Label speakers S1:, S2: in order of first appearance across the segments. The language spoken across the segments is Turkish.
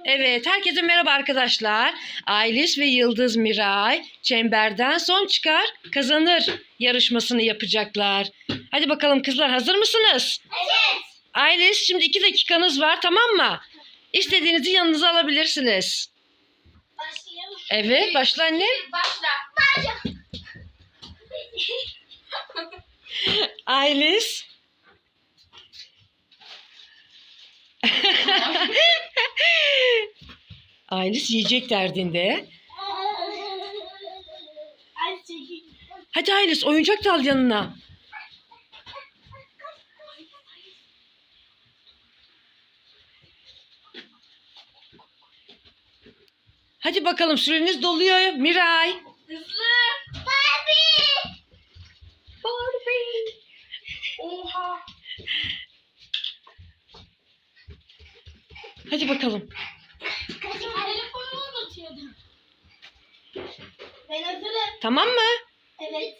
S1: Evet, herkese merhaba arkadaşlar. Aylis ve Yıldız Miray çemberden son çıkar kazanır yarışmasını yapacaklar. Hadi bakalım kızlar, hazır mısınız?
S2: Evet.
S1: Aylis, şimdi 2 dakikanız var, tamam mı? İstediğinizi yanınıza alabilirsiniz.
S2: Başlayalım.
S1: Evet, başla anne.
S2: Başla.
S1: Aylis. Aylis yiyecek derdinde. Hadi Aylis, oyuncak da al yanına. Hadi bakalım, süreniz doluyor Miray.
S2: Hızlı. Barbie.
S1: Barbie.
S2: Oha.
S1: Hadi bakalım.
S2: Telefonumu unutuyordum. Ben hazırım.
S1: Tamam mı?
S2: Evet.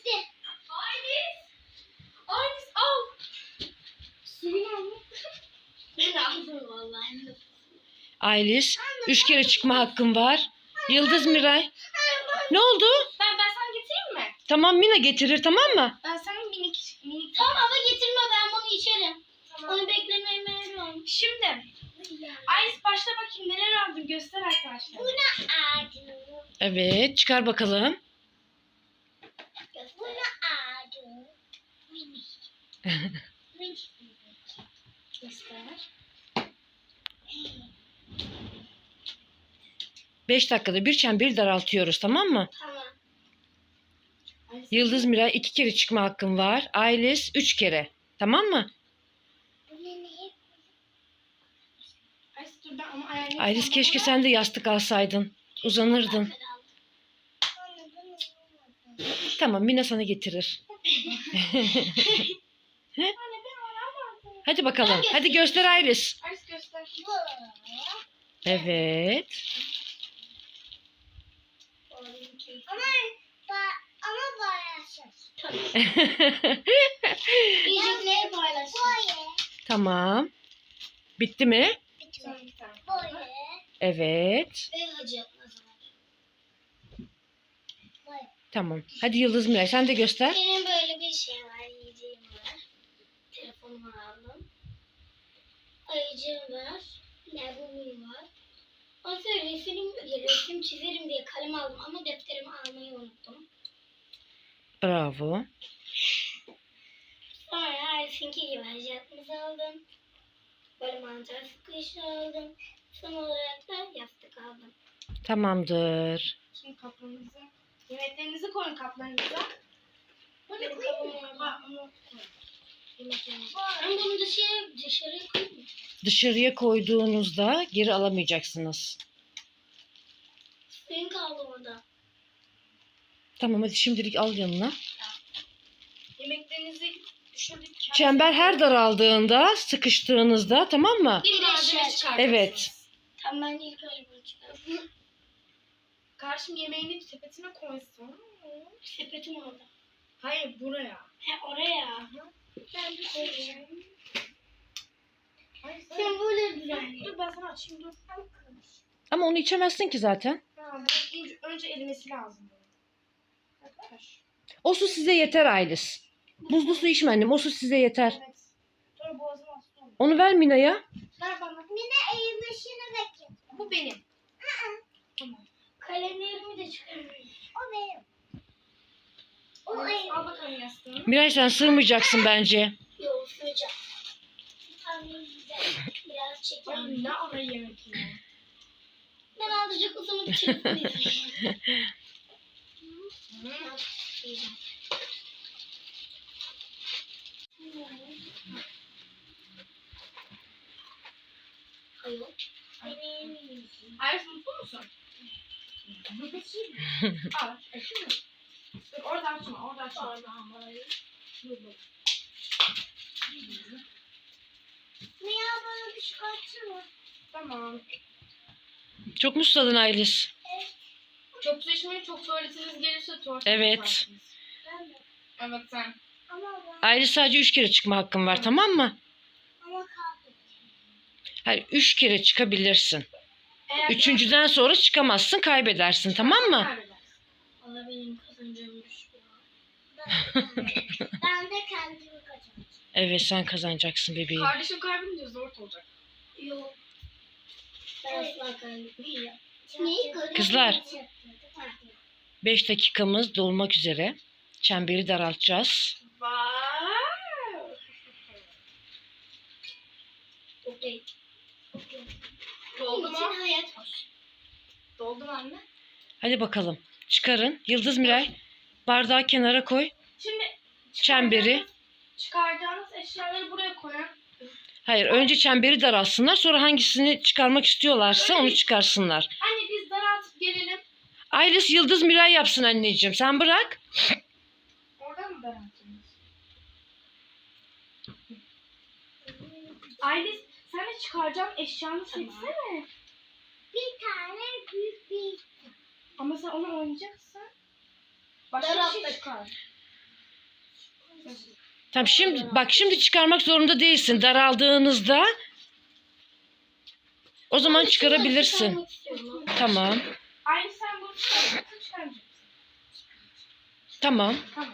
S2: Aylis al. Suyunu al. Ben aldım vallahi.
S1: Aylis, 3 kere çıkma hakkın var. Yıldız Miray. Ne oldu?
S2: Ben sana getireyim mi?
S1: Tamam, Mina getirir, tamam mı?
S2: Ben sana minik. Tamam ama getirme, ben bunu içerim. Tamam. Onu beklemeye meyilli. Şimdi Aylis, başla bakayım, neler aldın göster arkadaşlar. Bu ne ağacı?
S1: Evet, çıkar bakalım.
S2: Bu ne ağacı? Minik. Minik. Göster.
S1: 5 dakikada bir çemberi daraltıyoruz, tamam mı?
S2: Tamam.
S1: Yıldız Miray 2 kere çıkma hakkın var. Aylis 3 kere. Tamam mı?
S2: Aylis dur, ben ama ayarlayayım.
S1: Aylis, keşke sen de yastık alsaydın. Uzanırdın. Tamam, Mina sana getirir. Hadi bakalım. Hadi göster Aylis.
S2: Aylis göster.
S1: Evet.
S2: Ama paylaşacağız. Yiyecekleri paylaşacağız.
S1: Tamam. Bitti mi?
S2: Böyle.
S1: Evet.
S2: Ve hacı.
S1: Tamam. Hadi Yıldız Miray, sen de göster.
S2: Benim böyle bir şey var, yiyeceğim var. Telefonumu aldım. Ayıcığım var. Labubum var. Ondan sonra resim çizerim diye kalem aldım ama defterimi almayı unuttum.
S1: Bravo.
S2: Sonra Arif'inki gibi hacatımızı aldım. Böyle mantar sıkışı aldım. Son olarak da yastık aldım.
S1: Tamamdır.
S2: Şimdi kaplarınızı, yemeklerinizi koyun kaplarınıza. Bunu koyayım mı? Ben bunu dışarıya koyayım.
S1: Dışarıya koyduğunuzda geri alamayacaksınız.
S2: Suyun kaldı orada.
S1: Tamam, hadi şimdilik al yanına.
S2: Yemeklerinizi düşürdük.
S1: Çember her daraldığında, sıkıştığınızda, tamam mı?
S2: Bir malzeme çıkartırsınız.
S1: Evet.
S2: Tamam, ben ilk önce bunu çıkartayım. Karşım yemeğini sepetine koysun. Sepetim orada. Hayır, buraya. He, oraya. Ben de koyacağım. Sen böyle düzenle. Dur, ben sana açayım, dur.
S1: Ama onu içemezsin ki zaten.
S2: Tamam, önce erimesi lazım. Arkadaş.
S1: O su size yeter Aylis. Buzlu su içme annem, o su size yeter.
S2: Evet. Sonra boğazım hasta olur.
S1: Onu ver Mina'ya.
S2: Ver bana. Mine erimesini bekle. Bu benim. Tamam. Kalemlerimi de çıkarıyorum. O benim. O benim. Al bakalım yastığını.
S1: Miray, sen sığmayacaksın bence.
S2: Yok, sığacağım. Biraz çekelim. Ne ara yemek yiyor? Ben azıcık uzanıp çektim. Hayır. Ayris, mutlu musun? Al, açayım mı? Dur, orada açma, orada açma. Dur. Ne ya, bana bir çıkartsana. Tamam.
S1: Çok mu susadın Aylis?
S2: Çok su içmeyin, çok tuvaletiniz gelirse tuvalet.
S1: Evet.
S2: Evet, sen.
S1: Aylis, sadece 3 kere çıkma hakkın var, tamam mı?
S2: Ama kaldı.
S1: Hayır, 3 kere çıkabilirsin.
S2: Eğer
S1: Üçüncüden sonra çıkamazsın, kaybedersin, tamam mı?
S2: kaybedersin. Valla benim kazancım düşüyor. Ben de kendimi kazanacağım.
S1: Evet, sen kazanacaksın bebeğim.
S2: Kardeşim kaybedince zor olacak. Yok. Ben asla kaybetmeyeceğim.
S1: Kızlar. 5 dakikamız dolmak üzere. Çemberi daraltacağız.
S2: Wow. Okey. Doldu mu? Hayat hoş. Doldu mu anne?
S1: Hadi bakalım. Çıkarın. Yıldız Miray, bardağı kenara koy.
S2: Şimdi
S1: Çemberi.
S2: çıkaracağınız eşyaları buraya koyun.
S1: Hayır, önce çemberi daralsınlar. Sonra hangisini çıkarmak istiyorlarsa onu çıkarsınlar.
S2: Anne biz daraltıp gelelim.
S1: Aylis Yıldız Miray yapsın anneciğim. Sen bırak.
S2: Oradan mı daraltıyorsunuz? Aylis sen de çıkaracağım eşyanı seçsene. Bir tane büyük bir. Ama sen onu oynayacaksın. Başka bir şey çıkar.
S1: Tamam, şimdi çıkarmak zorunda değilsin. Daraldığınızda o zaman çıkarabilirsin. Tamam.
S2: Aylis sen bunu çıkaracaksın.
S1: Tamam.
S2: Tamam.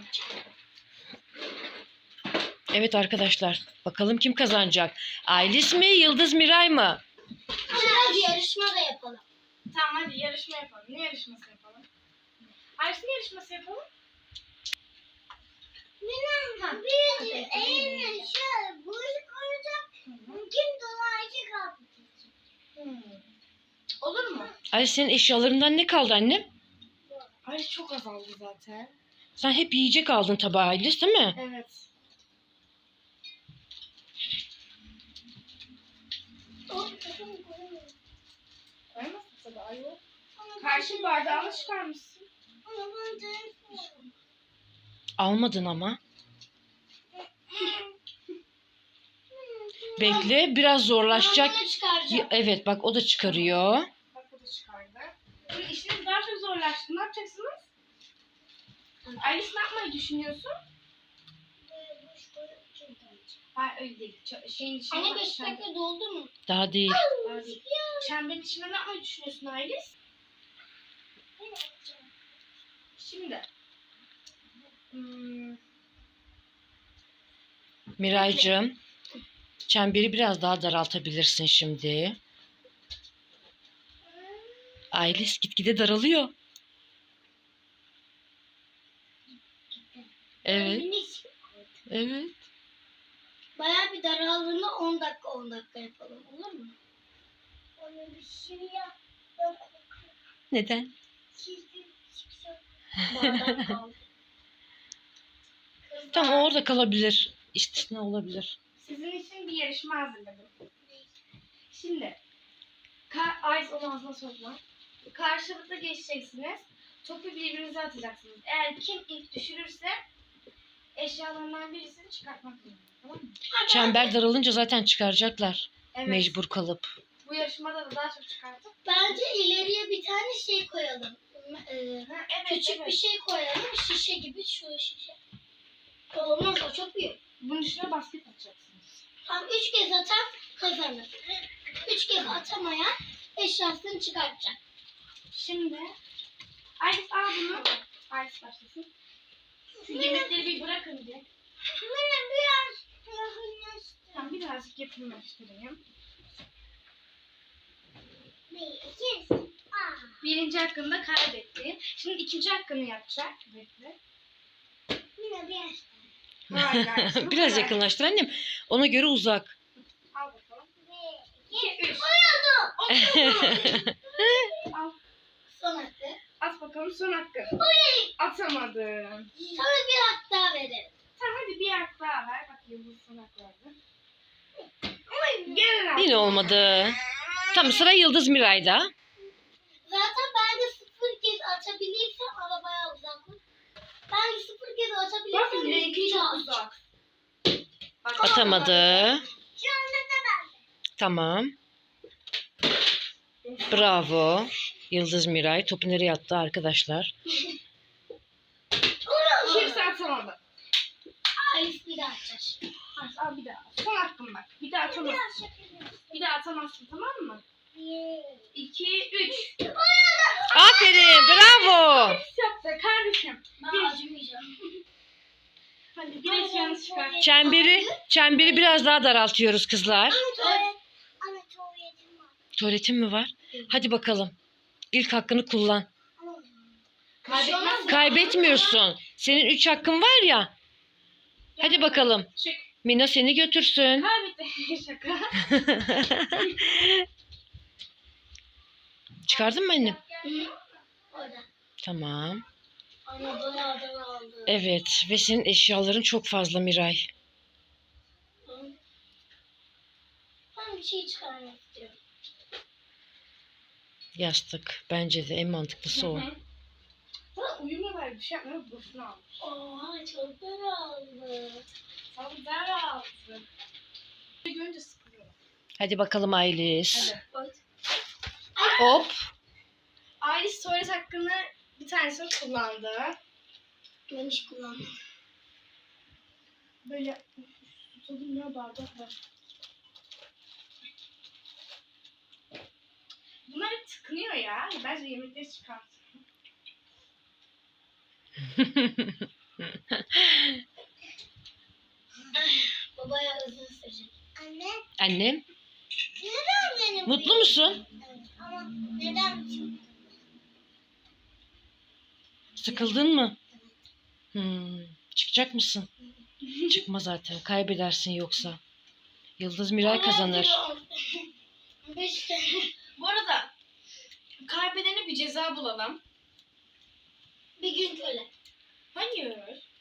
S1: Evet arkadaşlar. Bakalım kim kazanacak? Aylis mi, Yıldız Miray mı?
S2: Hadi yarışma da yapalım. Tamam hadi yarışma yapalım. Ne yarışması yapalım? Aylis ne yarışması yapalım? Bir eline şöyle buyruk olacak. Kim dolayıcı kalmayacak. Olur mu?
S1: Aylis, senin eşyalarından ne kaldı annem?
S2: Aylis çok azaldı zaten.
S1: Sen hep yiyecek aldın tabağa Aylis, değil mi?
S2: Evet. Koyamazsın tabii ayol. Karşı bardağını çıkarmışsın.
S1: Almadın ama. Bekle, biraz zorlaşacak. Evet, bak o da çıkarıyor.
S2: Bak o da çıkardı. Şimdi işiniz daha çok zorlaştı. Ne yapacaksınız? Aylis ne yapmayı düşünüyorsun? Hayır öyle değil. Şeyin içine
S3: Anne 5 dakika doldu mu?
S1: Daha değil.
S2: Çemberin içinde ne yapmayı düşünüyorsun Aylis? Şimdi.
S1: Miraycığım, çemberi biraz daha daraltabilirsin şimdi. Aylis gitgide daralıyor. Evet. Evet.
S3: Bayağı bir daraldığında 10 dakika yapalım, olur mu? Onu bir şey yap.
S1: Neden?
S3: Bardak kaldı.
S1: Tamam, o orada kalabilir. İstisna olabilir.
S2: Sizin için bir yarışma hazırladım. Şimdi. Aylis onu ağzına sokma. Karşılıklı geçeceksiniz. Topu birbirinize atacaksınız. Eğer kim ilk düşürürse eşyalarından birisini çıkartmak zorunda. Tamam mı?
S1: Çember daralınca zaten çıkaracaklar.
S2: Evet.
S1: Mecbur kalıp.
S2: Bu yarışmada da daha çok çıkartıp.
S3: Bence ileriye bir tane şey koyalım.
S2: Evet,
S3: Küçük bir şey koyalım. Şişe gibi şu şişe. Olmaz, o çok büyük.
S2: Bunun üstüne basket atacaksınız.
S3: Tam 3 kez atan kazanır. 3 kez atamayan eşyasını çıkartacak.
S2: Şimdi Aylis al bunu. Aylis başlasın. Şu yemekleri bir bırakın diye.
S3: Benim biraz yakınlaştı.
S2: Tamam birazcık yakınlaştırayım. Birinci hakkında kaybetti. Şimdi ikinci hakkını yapacak. Bekle.
S3: Yine biraz.
S2: Hayır, hayır. Şimdi
S1: Biraz
S2: kolay.
S1: yakınlaştır annem. Ona göre uzak.
S2: Al bakalım. 2, 3. Al.
S3: Son hakkı.
S2: At bakalım son hakkı. Atamadın.
S3: Sana bir hak daha verelim.
S2: Tamam hadi bir hak daha ver. Bak Yıldız son hak verdi. Gelin
S1: Yine olmadı. Tamam, sıra Yıldız Miray'da.
S3: Zaten ben de 0 kez atabilirsem ama bayağı uzak. Ben de 0 kez
S2: Bak
S3: atabilirsem
S2: rengi
S3: bir
S2: çok
S3: daha
S2: uzak. Bak,
S1: Atamadı.
S3: Şu anda da ben.
S1: Tamam. Bravo. Yıldız Miray. Topu nereye attı arkadaşlar?
S2: Kimse atamadı.
S3: Ayıp bir daha atacağız.
S2: Al bir daha. Son hakkım bak. Bir daha atamazsın. Bir daha atamazsın tamam mı?
S3: 1,
S2: 2, 3.
S1: Aferin, bravo.
S2: Yaptı kardeşim.
S3: Ben acımayacağım.
S2: Hadi güneş yanlış çıkar.
S1: Çemberi biraz daha daraltıyoruz kızlar.
S3: Anne tuvaletim var.
S1: Tuvaletin mi var? Hadi bakalım. İlk hakkını kullan.
S2: Kaybetmez.
S1: Kaybetmiyorsun. Senin 3 hakkın var ya. Hadi bakalım.
S2: Çık.
S1: Mina seni götürsün.
S2: Kaybetti. Şaka.
S1: Çıkardın mı annem?
S3: Orada.
S1: Tamam.
S3: Anne bana adını aldı.
S1: Evet ve senin eşyaların çok fazla Miray.
S3: Ben bir şey çıkarmak istiyorum.
S1: Yastık. Bence de en mantıklısı o.
S2: Sana uyumlu ver bir şey yapmıyor. Boşuna almış.
S3: Oha çok daraldı.
S2: Sana der aldı. Görünce sıkılıyor.
S1: Hadi bakalım Aylis.
S2: Hadi.
S3: Bak.
S1: Hop.
S2: Ailes tuvalet hakkını bir tanesini kullandı.
S3: Ben hiç kullanmadım.
S2: Böyle tutalım ya bardak var. Bunlar hep tıkınıyor ya. Bence yemekleri çıkart.
S3: Babaya uzun sürecek. Anne.
S1: Annem,
S3: Neden benim?
S1: mutlu musun?
S3: Evet, ama neden çok?
S1: Sıkıldın mı? Çıkacak mısın? Çıkma zaten. Kaybedersin yoksa. Yıldız Miray kazanır.
S3: 5 tane.
S2: Bu arada kaybedene bir ceza bulalım.
S3: Bir gün köle.
S2: Hayır.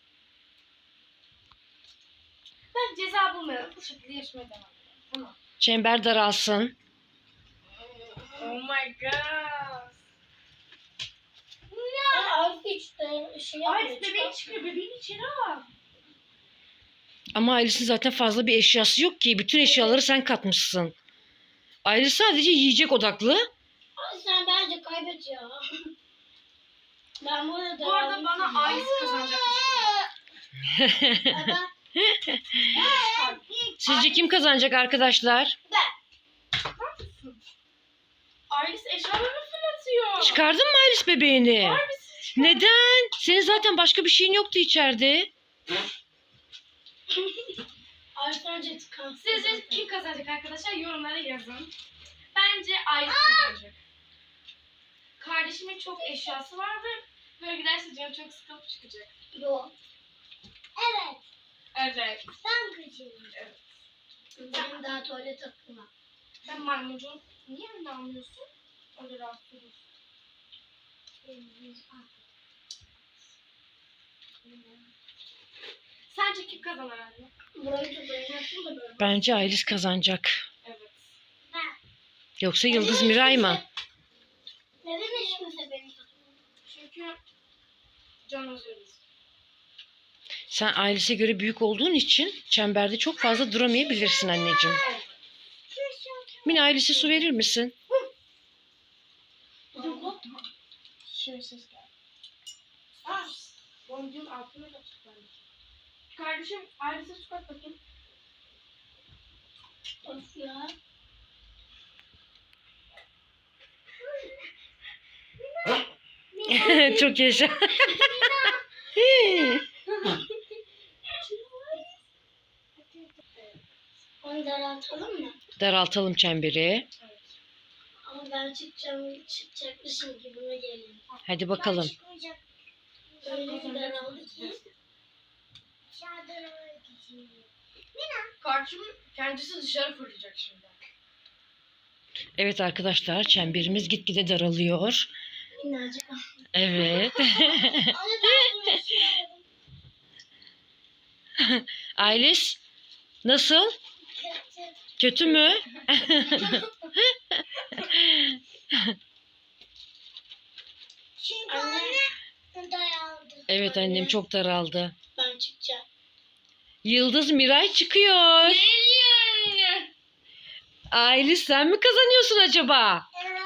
S2: Ben ceza bulmayalım. Bu şekilde yaşamaya devam edelim. Tamam.
S1: Çember daralsın.
S2: Oh my god.
S3: Arif hiç de şey
S2: Ay
S3: yapmıyor.
S2: bebeğin çıkıyor. Bebeğin içeri al.
S1: Ama Aylis'in zaten fazla bir eşyası yok ki. Bütün eşyaları sen katmışsın. Aylis sadece yiyecek odaklı.
S3: Ay sen bence kaybet ya. Ben bu arada
S2: Bu arada bana Ailes kazanacakmış.
S3: Baba.
S1: Sizce kim kazanacak arkadaşlar?
S2: Ailes eşyalarını fırlatıyor.
S1: Çıkardın mı Aylis bebeğini?
S2: Harbisi.
S1: Neden? Senin zaten başka bir şeyin yoktu içeride.
S3: Arif önce tıkansın.
S2: Sizce kim kazanacak arkadaşlar? Yorumlara yazın. Bence Ailes kazanacak. Kardeşimin çok eşyası var ve böyle giderse canım çok sıkılıp çıkacak.
S3: Yok. Evet.
S2: Evet.
S3: Ben kaçırdım.
S2: Evet.
S3: Benim daha tuvalet hakkım var.
S2: Ben maymuncum. Niye öyle almıyorsun? Öyle rahatsız olursun. Sence kim kazanır anne?
S3: Burayı da dayanırsın da böyle.
S1: Bence Aylis kazanacak.
S2: Evet.
S3: Ben.
S1: Yoksa Yıldız Miray mı?
S3: Neden hiç kimse beni tutmuyor?
S2: Çünkü can özürüz.
S1: Sen Aylis'e göre büyük olduğun için çemberde çok fazla duramayabilirsin anneciğim. Mine Aylis'e su verir misin?
S2: Şöyle ses geldi. Aa, boncuğun altına da çıkıyor. Kardeşim ailesi su kat bakayım.
S3: Of ya.
S1: Çok yaşa.
S3: Onu daraltalım mı?
S1: Daraltalım çemberi.
S3: Ama ben çıkacakmışım gibime geliyor.
S1: Hadi bakalım.
S3: Çıkmayacak. Öyle bir daraldı ki. Dışarıdan öyle geçiyor.
S2: Kardeşim kendisi dışarı fırlayacak şimdi.
S1: Evet arkadaşlar çemberimiz gitgide daralıyor.
S3: Minnacık.
S1: Evet.
S3: Anne ben bunu yaşıyorum.
S1: Aylis nasıl?
S3: Kötü.
S1: Kötü mü?
S3: Çünkü anne daraldı.
S1: Evet annem çok daraldı.
S3: Ben çıkacağım.
S1: Yıldız Miray çıkıyor.
S2: Geliyor.
S1: Aylis sen mi kazanıyorsun acaba?
S3: Evet.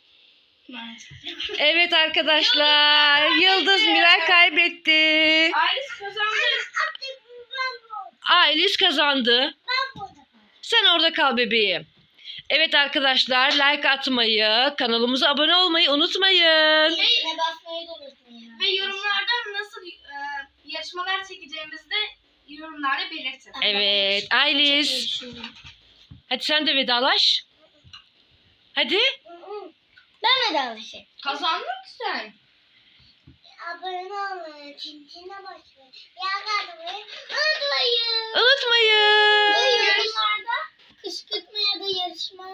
S1: Evet arkadaşlar. Yıldız Miray kaybetti.
S2: Ailes kazandı.
S3: Artık ben bu.
S1: Aylis kazandı.
S3: Ben burada.
S1: Sen orada kal bebeğim. Evet arkadaşlar, like atmayı, kanalımıza abone olmayı unutmayın.
S3: Zile basmayı da unutmayın.
S2: Ve yorumlarda nasıl yarışmalar çekeceğimizi de yorumlarda belirtin.
S1: Evet, Aylis. Hadi sen de vedalaş. Hadi.
S3: Ben de alışayım.
S2: Kazandın sen.
S3: Abone olmayı, çintine basmayı, yakalamayı unutmayın.
S1: Unutmayın.
S3: Ve yorumlarda kışkırtma ya da yarışma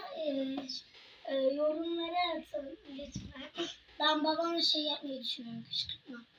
S3: yorumlara atın lütfen. Ben babamla şey yapmayı düşünüyorum, kışkırtma.